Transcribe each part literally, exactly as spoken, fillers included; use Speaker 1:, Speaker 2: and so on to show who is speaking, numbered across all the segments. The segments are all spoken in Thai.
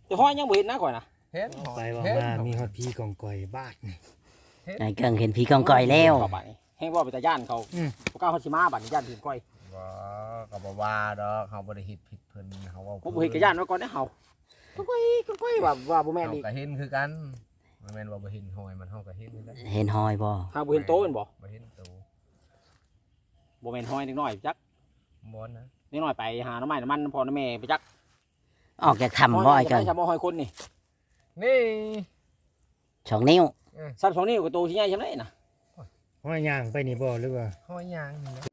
Speaker 1: แต่ห้อยยังบ่เห็นนะก่อนนะ
Speaker 2: เห็น
Speaker 3: ไปว่ามามีฮอดพี่กองก่อยบ้านนี่
Speaker 4: ไอ้เกิงเห็นผีกองก่อยแล้ว
Speaker 1: เข้าไปแห้งว่าไปแต่ย่านเขา
Speaker 3: อืม
Speaker 1: บ่กล้าเฮาสิมาบัดนี้ย่านผีก้อย
Speaker 2: บ่ก็บ่ว่าดอกเฮาบ่ได้เฮ็ดผิดเพิ่นเฮาเว้า
Speaker 1: ผมบ่เห็นกับย่านไว้ก่อนเด้อเฮาก้อยก้อยว่าว่าบ่แม่น
Speaker 2: เฮา
Speaker 1: อีก
Speaker 2: ก็เห็นคือกันมันแม่นว่าบ่เห็นหอยมันเฮาก็เห็นคือกัน
Speaker 4: เห็นหอยบ่
Speaker 1: หาบ่เห็นโตแม่นบ่
Speaker 2: บ่เห็นตัว
Speaker 1: บ่แม่นห้อยเด็กน้อยจัก
Speaker 2: บ่นะ
Speaker 1: เด็กน้อยไปหาหน่อไม้น้ำมันพ่อน้ำแม่ไปจัก
Speaker 4: ออกจากถ้ำบ่ไอ้เกิง
Speaker 1: จะบ่ห้อยคนนี่
Speaker 2: นี่
Speaker 4: สองนิ้ว
Speaker 1: ซับสองนิ้วก็โตสิใหญ่ซำไดน่ะ
Speaker 3: ห้อยย่างไปนี่บ่หรือว่า
Speaker 2: หอยยางนี่แหละ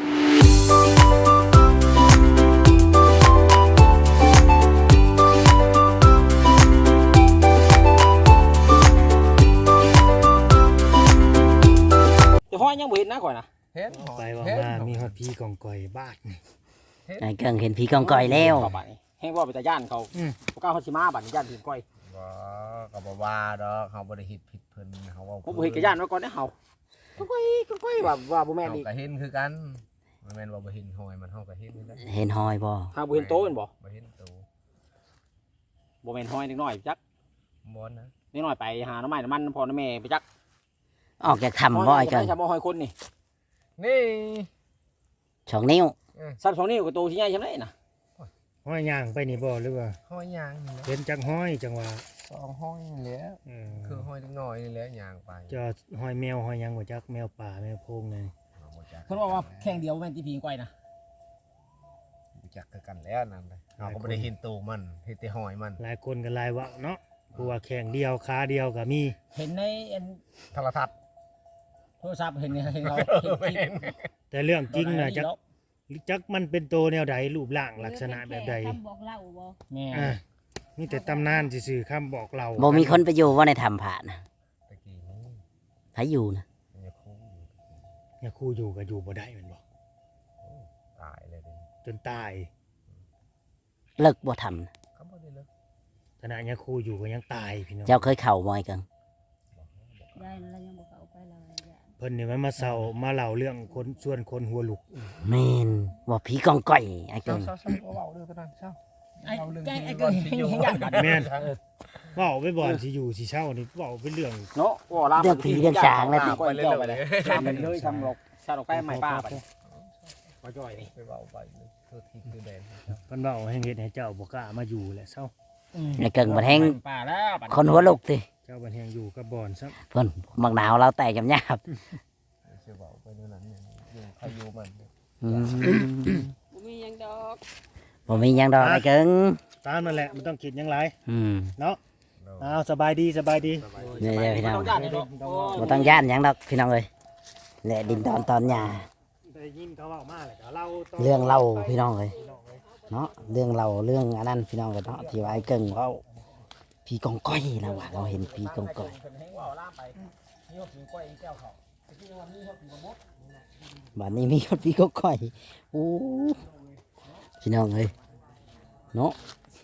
Speaker 1: แต่ห้อยยังบ่เห็นนะก่อนนะ
Speaker 2: เห็น
Speaker 3: ไปว่ามามีฮอดพี่กองก่อยบ้านนี่
Speaker 4: ไอ้เกิงเห็นผีกองก่อยแล้ว
Speaker 1: เข้าไปแห้งว่าไปแต่ย่านเขา
Speaker 3: อืม
Speaker 1: บ่กล้าเฮาสิมาบัดนี้ย่านผีก้อย
Speaker 2: บ่ก็บ่ว่าดอกเฮาบ่ได้เฮ็ดผิดเพิ่นเฮาเว้า
Speaker 1: ผมบ่เห็นกับย่านไว้ก่อนเด้อเฮาก้อยก้อยว่าว่าบ่แม่น
Speaker 2: เฮา
Speaker 1: อีก
Speaker 2: ก็เห็นคือกันมันแม่นว่าบ่เห็นหอยมันเฮาก็เห็นคือกัน
Speaker 4: เห็นหอยบ่
Speaker 1: หาบ่เห็นโตแม่นบ่
Speaker 2: บ่เห็นตัว
Speaker 1: บ่แม่นห้อยเด็กน้อยจัก
Speaker 2: บ่นะ
Speaker 1: เด็กน้อยไปหาหน่อไม้น้ำมันพ่อน้ำแม่ไปจัก
Speaker 4: ออกจากถ้ำบ่ไอ้เกิง
Speaker 1: จะบ่ห้อยคนนี่
Speaker 2: นี่
Speaker 4: สองนิ้ว
Speaker 1: ซับสองนิ้วก็โตสิใหญ่ซำไดน่ะ
Speaker 3: ห้อยย่างไปนี่บ่หรือว่า
Speaker 2: หอยยางนี่แหละ
Speaker 3: เห็นจักห้อยจังว่า
Speaker 2: สองห้อยนี่แหละ
Speaker 3: เออ
Speaker 2: คือหอยเล็กน้อยนี่แหละยางไป
Speaker 3: จะห้อยแมวห้อยหยังบ่จักแมวป่าแมวโพงนี่
Speaker 2: เอาบ่จัก
Speaker 1: เพิ่นบอกว่าแข่งเดียวแม่นที่ผีก้อยนะ
Speaker 2: บ่จักคือกันแล้วนั่นเลยเฮาก็บ่ได้เห็นตัวมันเห็นแต่หอยมัน
Speaker 3: หลายคนก็หลายเว่าเนาะผู้ว่าแข่งเดียวขาเดียวก็มี
Speaker 1: เห็นในอัน
Speaker 2: โทรทัศน์
Speaker 1: โทรศัพท์เห็นเห็นเราเห็นคลิป
Speaker 3: แต่เรื่องจริงน่ะจัก
Speaker 1: เนาะ
Speaker 3: จักมันเป็นโตแนวใดรูปร่างลักษณะแบบใด
Speaker 5: คำบอกเล่าบ่
Speaker 1: แม่
Speaker 3: อ่ามีแต่ตำนานซื่อๆคำบอกเรา
Speaker 4: บ่มีคนไปอยู่ว่าในถ้ำผ่านนะ
Speaker 2: ตะกี้นี้
Speaker 4: ไผอยู่นะ
Speaker 2: มันจะคุ้มอยู่
Speaker 3: เนี่ยครูอยู่ก็อยู่บ่ได้แมันบอก
Speaker 2: ตายเลยเดิ
Speaker 3: จนตาย
Speaker 4: เลิกบ่ทำนะ
Speaker 2: เขาบ่ได้เลิก
Speaker 3: ขณะเนี่ยครูอยู่ก็ยังตายพี่น้อง
Speaker 4: เจ้าเคยเข้าบ่ไอ้เกิง
Speaker 5: ได้แล้วยังบอกเอาไปเราเลยจ้ะ
Speaker 3: เพิ่นนี่มันมาเศร้ามาเล่าเรื่องคนส่วนคนหัวลุก
Speaker 4: แม่นว่าผีกองก่อยไอ้เกิ
Speaker 2: เช้าง เช้าเช้าเบาๆเด้อตอนนั้นเช้า
Speaker 1: ไอ้
Speaker 2: เอาเรื่อง
Speaker 1: ไอ้
Speaker 2: ที่
Speaker 1: ไอ้
Speaker 2: ก่
Speaker 1: ก็
Speaker 2: อน
Speaker 1: เห็น
Speaker 2: สิอยู่
Speaker 1: เห็นยันกัน
Speaker 3: แม่นเว้าไปบ่อนสิอยู่สิเช่านี่เว้าเป็นเรื่อง
Speaker 1: เนาะว่าลาม
Speaker 4: เรื่องผีเรื่องสางแล้วติ
Speaker 1: ก้อยเจ้าไปเลยลามไปเลยทำหรอกชาดอกแป้ไม้ป้าไปบ่จ่อยนี่
Speaker 2: ไปเบาไปเลยคือทิศคือแดน
Speaker 3: เพิ่นเว้าให้เฮ็ดให้เจ้าบ่กล้ามาอยู่แหละเศร้า
Speaker 4: ไอ้เกิงบ่แห้ง
Speaker 1: ป้าแล้วบัด
Speaker 4: คนหัวลุกสิ
Speaker 3: เจ้าบัดแฮงอยู่กับบ่อนซะ
Speaker 4: เพิ่นมักหนาวเราแตกจำยาบ
Speaker 2: เชื่อเบาไปนู่นนั่นเนี่ยอยู่ใครอยู่มัน
Speaker 4: อืม
Speaker 5: บ่มีหยังดอก
Speaker 4: บ่มีหยังดอกไอ้เกิง
Speaker 3: ตามนั่นแหละมันต้องคิดหยังหลาย
Speaker 4: อืม
Speaker 3: เนาะอ้าวสบายดีสบายดี
Speaker 4: นี่เด้อพี่น้อง
Speaker 1: บ่ต้องย่านเนาะ
Speaker 4: บ่ต้องย่านหยังดอกพี่น้องเอ้ยแหละดินดอนตอนหญ้า
Speaker 3: ได้ยินเขาเว้ามาแล้วก็เล่าต่
Speaker 4: เรื่องเล่าพี่น้องเอ้ยเนาะเรื่องเล่าเรื่องอันนั้นพี่น้องเอ้ยเนาะที่ว่าไอ้เกิงเว้าผีกองก้อยนะว่าเราเห็นผีกองก้อย
Speaker 1: เพิ่นให้ว่าลามไปนี่ว่าผีก้อยอีแก้วเขาตะกี้ว่ามีเขาผีบ่มด
Speaker 4: บัดนี้มีคนผีกองก้อยโอ้พี่น้องเอ้ยเนาะ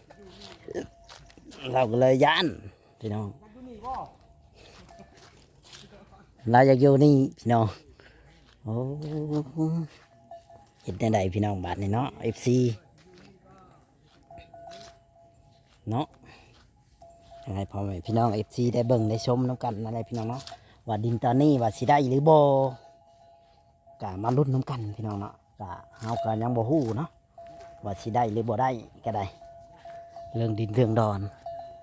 Speaker 4: เราก็เลยย่านพี่น้องเราอยากอยู่นี่พี่น้องโอ้เห็นได้ใดพี่น้องบัดนี้เนาะ เอฟ ซี เนาะยังไงพ่อแม่พี่น้อง เอฟ ซี ได้เบิ่งได้ชมน้ำกันอะไรพี่น้องเนาะว่าดินตอนนี้ว่าสิได้หรือบ่กะมาลุ้นน้ำกันพี่น้องเนาะกะเฮาก็ยังบ่ฮู้เนาะว่าสิได้หรือบ่ได้ก็ได้เรื่องดินเรื่องดอน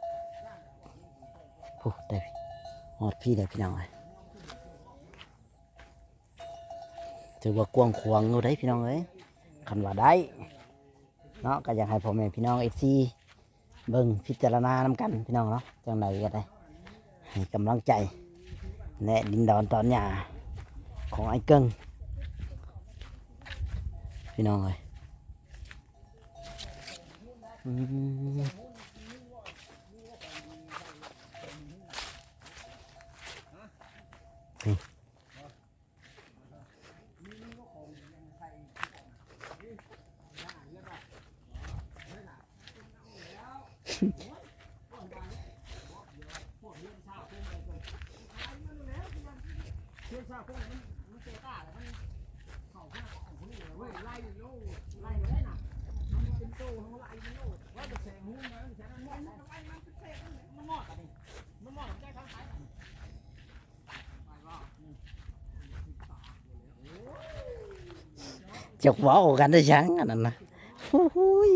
Speaker 4: โอ้ได้ฮอดพี่ได้พี่น้องเอ้ยถือว่ากว้างขวางอยู่ได้พี่น้องเอ้ยคันว่าได้เนาะก็อยากให้พ่อแม่พี่น้อง เอฟ ซี เบิ่งพิจารณานำกันพี่น้องเนาะจังใดก็ได้ให้กำลังใจและดินดอนตอนหญ้าของไอ้เกิงพี่น้องเลยอืมนี่จกเว้ากันได้จังอันนั้นนะโอ้โหย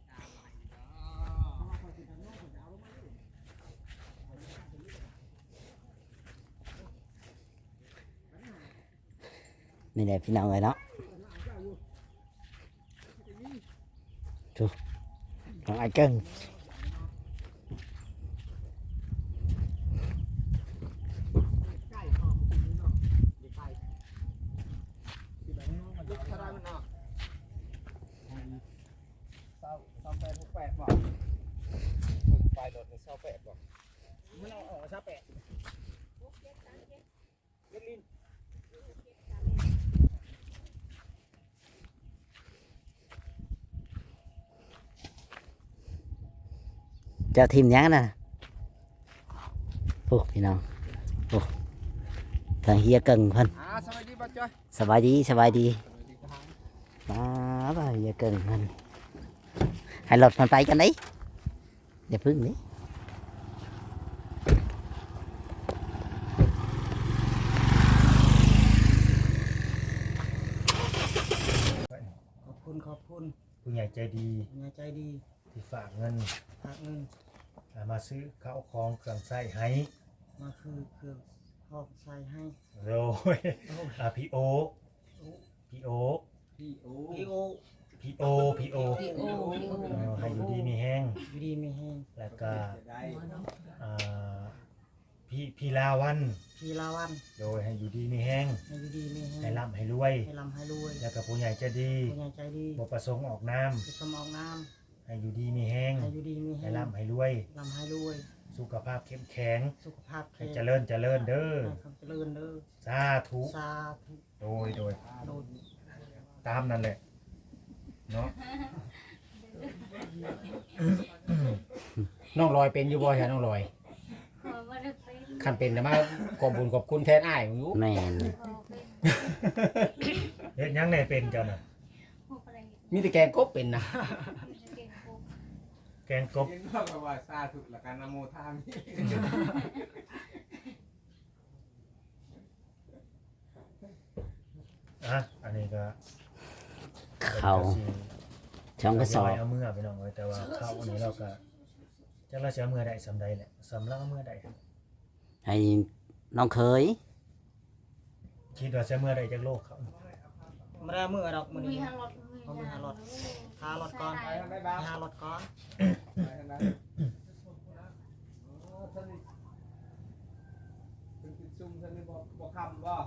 Speaker 4: นี่แหละพี่น้องเลยเนาะดูน้องไอ้เกิ้ง
Speaker 1: เศร้าเศร้าแปดหกแปดบ่ไฟโดดในเศร้าแปดบ่ไม่เอาออกเศร้าแปดเล่นลิ้น
Speaker 4: เจ้าทีมยังน่ะโอ้พี่น้องโอ้ทางเฮียเกิงเพิ่น
Speaker 1: อ่าสวัสดีบ่จ้อย
Speaker 4: สบายดีสบายดี
Speaker 1: สวัสดีครับ
Speaker 4: มาบ่าเฮียเกิงเพิ่นให้รถมันไปกันดิอย่าพึ่งนี่
Speaker 3: ขอบคุณขอบคุณ
Speaker 2: ผู้ใหญ่ใจดี
Speaker 3: คุณยายใจดี
Speaker 2: ที่ฝากเงิน
Speaker 3: ฝากเงิน
Speaker 2: มาซื้อข้าวของเครื่องใช้ให้
Speaker 3: มาคือเครื่องพอกใส่ให้
Speaker 2: โรยอ่าพี่โอพี่โอ
Speaker 1: พี่โอ้
Speaker 3: พี่โอ
Speaker 2: พี่โอพี่โอ
Speaker 5: พี่โอพี่โอ
Speaker 2: เออให้อยู่ดีมีแห้ง
Speaker 3: อยู่ดีไม่แห้ง
Speaker 2: แล้วก็
Speaker 1: ได้
Speaker 2: อ่าพี่พี่ลาวัน
Speaker 3: พี่ลาวัน
Speaker 2: โดยให้อยู่ดีมีแห้ง
Speaker 3: ให้อยู่ดีไม่แห้ง
Speaker 2: ให้ร่ำให้รวย
Speaker 3: ให้ลำให้รวย
Speaker 2: แล้วก็ผู้ใหญ่ใจดี
Speaker 3: คุณยายใจดี
Speaker 2: บ่ประสงค์ออกน้
Speaker 3: ไปสมองน้
Speaker 2: ำให้อยู่ดีมีแห้ง
Speaker 3: ำให้อยู่ดีมี
Speaker 2: ให้
Speaker 3: แห้ง
Speaker 2: ร่ำให้รวย
Speaker 3: ลำให้รวย
Speaker 2: สุขภาพเข้มแข็ง
Speaker 3: สุขภาพ
Speaker 2: ให้
Speaker 3: แข็ง
Speaker 2: เจริญเจริญเด้อ
Speaker 3: ให้ความเจริญเด้อ
Speaker 2: สาธุ
Speaker 3: สาธุ
Speaker 2: โดยโดย
Speaker 3: โดย
Speaker 2: ตามนั่นแหละเนาะ
Speaker 1: น้องลอยเป็นอยู่บ่ใช่น้องลอย
Speaker 5: ขอบ่ได้เป็น
Speaker 1: คันเป็นแต่มาขอบบุญขอบคุณแทนอ้ายมึงรู้
Speaker 4: แม่น
Speaker 5: ขอเป็น
Speaker 2: เฮ็ดหยังได้เป็นเจ้าน่ะ
Speaker 5: บ่ได้
Speaker 1: มีแต่แกงกบเป็นนะ
Speaker 5: เก่งกู
Speaker 2: แกงกบ
Speaker 6: กินข้าวกับว่าซาถุละกันนะโมทามิ
Speaker 2: อ่ะอันนี้ก็
Speaker 4: เขาช่องกระสอบ
Speaker 2: เอามือไปน้องเอ้ยแต่ว่าข้าวอันนี้เราก็จักเราสิเอามือได้สำใดแหละสำเราเอามือได้
Speaker 4: ให้น้องเคย
Speaker 2: คิดว่าสิเอามือได้จักโลกเขา
Speaker 3: ไม่ได้มือดอกมือ
Speaker 5: มี
Speaker 3: นี้
Speaker 5: หารถ
Speaker 3: เอามือหารถหารถก่อน
Speaker 6: ไปทางได้บ้าง
Speaker 3: หารถก่อน
Speaker 6: ไปทางนั้นโอ้ท่านนี่เป็นติดซุ่มท่านนี่บอกบอกคำบ่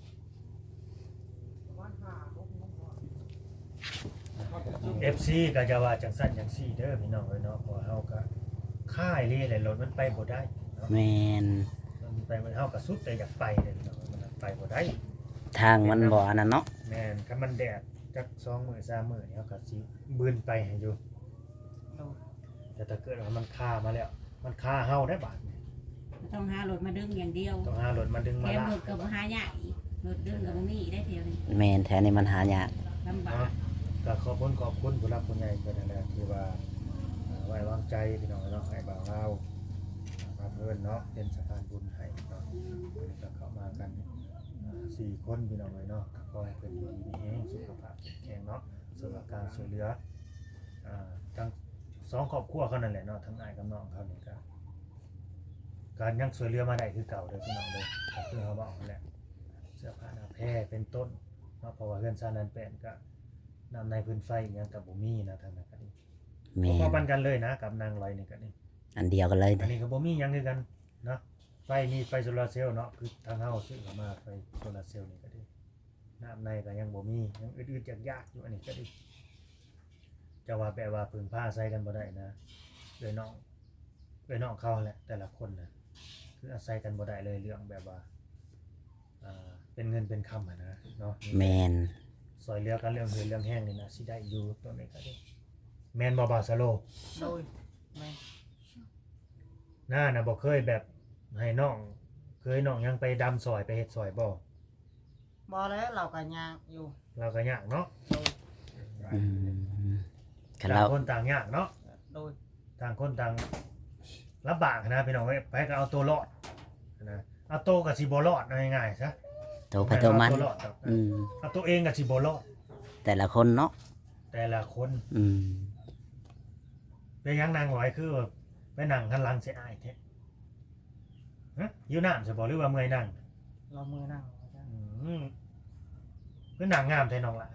Speaker 6: ประมาณห้าหกโมงก่อนเขาจะซุ่ม
Speaker 2: เอฟซีก็จะว่าจังซั่นจังซี่เด้อพี่น้องเอ้ยเนาะเพราะเฮาก็ค่ายเลยแหละรถมันไปบ่ได้เนาะ
Speaker 4: แม่น
Speaker 2: มันไปมันเฮาก็สุดแต่อยากไปเลยพี่น้องมันไปบ่ได้
Speaker 4: ทางมันบ่อันนั้นเนาะ
Speaker 2: แม่นถ้ามันแดดจักสองมื้อสามมื้อนี่เฮาก็สิบืนไปให้อยู่
Speaker 3: โดย
Speaker 2: แต่ถ้าเกิดว่ามันคามาแล้ว มันคาเฮาได้บาดนี่
Speaker 7: ต้องหารถมาดึงอย่างเดียว
Speaker 2: ต้องหารถมาดึง
Speaker 7: แถ
Speaker 2: มาม ลาร
Speaker 7: ถกับหายากอีกรถดึงกับบ่มีอีกได้เที่ยวนี้
Speaker 4: แม่นแท้นี่มันหายาก
Speaker 7: ลำบาก
Speaker 2: เนาะก็ขอบคุณขอบคุณผู้รักผู้ใหญ่เพิ่นนั่นแหละที่ว่าเอ่อไว้วางใจพี่น้องเนาะให้บ่าวเฮามาเพิ่นเนาะเป็นสะพานบุญให้เนาะก็เข้ามากันอ่าสี่คนพี่น้องเลยเนาะก็ขอให้เพิ่นอยู่ดีมีแรงสุขภาพแข็งแรงเนาะสำหรับการช่วยเหลืออ่าทั้งสองครอบครัวเขานั่นแหละเนาะทั้งอ้ายกับน้องเขานี่ก็การยังช่วยเหลือมาได้คือเก่าเด้อพี่น้องเด้อก็คือเขาบอกนั่นแหละเสื้อผ้าหน้าแพร่เป็นต้นเนาะเพราะว่าเฮือนซ่านนั้นเป็นก็น้ำในพื้นไฟอิหยังก็บ่มีนะทางนั้นก็นี่
Speaker 4: แม่
Speaker 2: พอน ๆปันกันเลยนะกับนางลอยนี่ก็นี่
Speaker 4: อันเดียวกันเลย
Speaker 2: อันนี้ก็บ่มีหยังคือกันเนาะไฟมีไฟโซลาร์เซลล์เนาะคือทางเฮาซื้อเข้ามาไฟโซลาร์เซลล์นี่ก็ดีน้ำในก็ยังบ่มียังอึดๆยากๆอยู่อันนี้ก็ดีจะว่าแปลว่าพึ่งพาใส่กันบ่ได้นะเอ้ยน้องเอ้ยน้องเขาแหละแต่ละคนน่ะคืออาศัยกันบ่ได้เลยเรื่องแบบว่าอ่าเป็นเงินเป็นคำอะนะเนาะ
Speaker 4: แม่น
Speaker 2: ซอยเหลือกันเรื่องเหือเรื่องแห้งนี่นะสิได้อยู่ตัวนี้ก็ดีแม่นบ่บาสโล
Speaker 3: โดยแม่
Speaker 2: หน้าน่ะบ่เคยแบบให้น้องเคยน้องยังไปดำซอยไปเฮ็ดซอยบ่
Speaker 3: บ่แล้วเราก็ยากอยู่
Speaker 2: เราก็ยากเนาะ
Speaker 4: อืมคัน
Speaker 2: ต่า
Speaker 4: เรา
Speaker 2: งคนต่างยากเนาะ
Speaker 3: โดย
Speaker 2: ต่างคนต่างลำบากนะพี่น้องเอ้ยไปก็เอาตัวรอดนะเอาตัวก็สิบ่รอดเอาง่ายๆซะ
Speaker 4: โตไปโตมัน
Speaker 2: เอาตัวรอดครับ
Speaker 4: อืม
Speaker 2: เอาตัวเองก็สิบ่รอด
Speaker 4: แต่ละคนเนาะ
Speaker 2: แต่ละคน
Speaker 4: อืม
Speaker 2: เป็นหยังนางร้อยคือแบบไปนั่งทันหลังเสียอายแท้ฮะอยู่น้ำจะบอกหรือว่าเมื่อยนั่ง
Speaker 1: เรามือนั่งอาจารย์
Speaker 2: อืมคือหนังงามแท้น้องล่ะ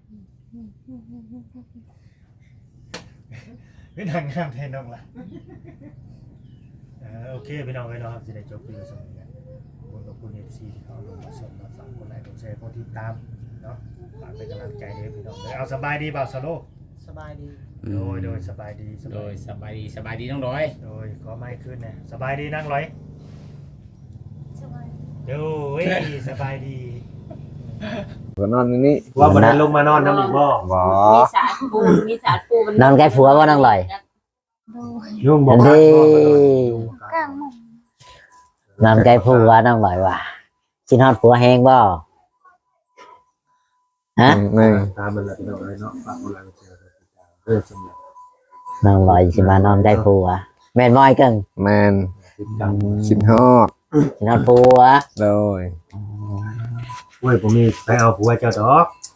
Speaker 2: คือหนังงามแท้น้องล่ะเออโอเคพี่น้องไปเนาะครับจะได้จบคลิปสมัยนี้ขอบคุณขอบคุณเอฟซีที่เขาลงมาชมมาฟังคนไลค์คนแชร์คนติดตามเนาะฝากเป็นกำลังใจด้วยพี่น้องเลยเอาสบายดีเปล่าสโล
Speaker 1: สบายดี
Speaker 2: โดยโดยสบายดีส
Speaker 6: โด
Speaker 2: บาย
Speaker 6: ยสบายดีสบายดีน้องร้อย
Speaker 2: โดยขอไม่ขึ้นนะสบายดีนั่งร้อย
Speaker 5: สบาย
Speaker 2: โดยสบายดี
Speaker 8: ก็นอนอยู่นี่
Speaker 2: ว่าวันนั้นลงมานอนน้ำอีกบ่
Speaker 8: บ่
Speaker 7: มีสารปูมีสารปูมัน
Speaker 4: นอนใกล้ผัวบ่นั่งลอย
Speaker 5: โดย
Speaker 2: ยุ่งบอก
Speaker 4: เด้
Speaker 5: กลางหมุง
Speaker 4: นอนใกล้ผัวนั่งลอยว่ะกินฮอดผัวแห้งบ่ฮะ
Speaker 8: แม่ง
Speaker 2: ตามมันแหละพี่น้องเลยเนาะฝากคนไลค์คนแชร์คนติดตามเออสำหรับ
Speaker 4: นั่งลอยสิมานอนใกล้ผัวแม่นบ่ไอ้เกิง
Speaker 8: แม่น
Speaker 2: ติดตาม
Speaker 8: คิดฮอด
Speaker 4: กินฮอดผัว
Speaker 8: โดย
Speaker 2: เว้ยผมมีไปเอาผัวเจ้าดอก